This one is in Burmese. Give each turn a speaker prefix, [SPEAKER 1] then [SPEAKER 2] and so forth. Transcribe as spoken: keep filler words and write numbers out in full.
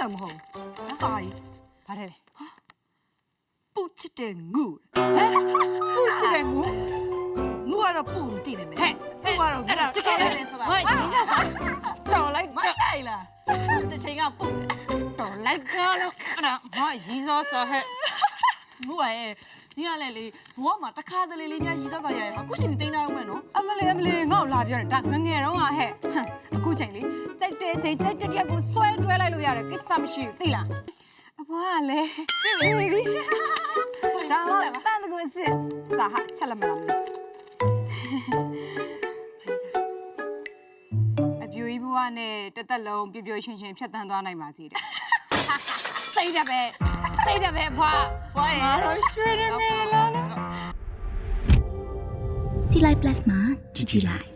[SPEAKER 1] တောင်မဟုတ်စာရီ
[SPEAKER 2] ဘာလဲလဲ
[SPEAKER 1] ပူချစ်တဲ့ငူ
[SPEAKER 2] ပူချစ်တဲ့ငူ
[SPEAKER 1] ငူကတော့ပူမသိပဲမယ်ဟဲ့ပူကတော့ချစ်ခဲ့တယ်ဆိုတာ
[SPEAKER 2] ဟာဒီကတော်လိုက်
[SPEAKER 1] မလိုက်လားတစ်ချိန်ကပူတယ်
[SPEAKER 2] တော်လိုက်ကြောလို့အဲ့ဒါဟာရီစောစောဟဲ့
[SPEAKER 1] ငူရဲ့ဒီကလည်းလေဘဝမှာတစ်ခါတလေလေးများရီစောက်တာရရဟာအခုချိန်တင်းထားအောင်မယ်နော်
[SPEAKER 2] အမလေးအမလေးငါ့ကိုလာပြောတယ်ဒါငငယ်တော့ဟာဟဲ့အခုချိန်လေးကြိုက်တဲ့ချိန်ကြိုက်တဲ့ရက်ကိုဆွဲတွဲလိုက်လို့ရတယ်ကိစ္စမရှိဘူးသိလားအဘွားကလည်းပြီပြီဒါမှတန်တကူစစ်စာဟာချက်လက်မလားအပြူကြီးဘွားနဲ့တသက်လုံးပြပြရွှင်ရွှင်ဖြတ်တန်းသွားနိုင်ပါစေတဲ့စိတ်တယ်ပဲစိတ်တယ်ပဲဘွား
[SPEAKER 1] ဘွားရဲ့
[SPEAKER 2] တော့ရွှေရငယ်လား
[SPEAKER 3] ကြည်လိုက် plus မှာကြည်ကြည်လိုက်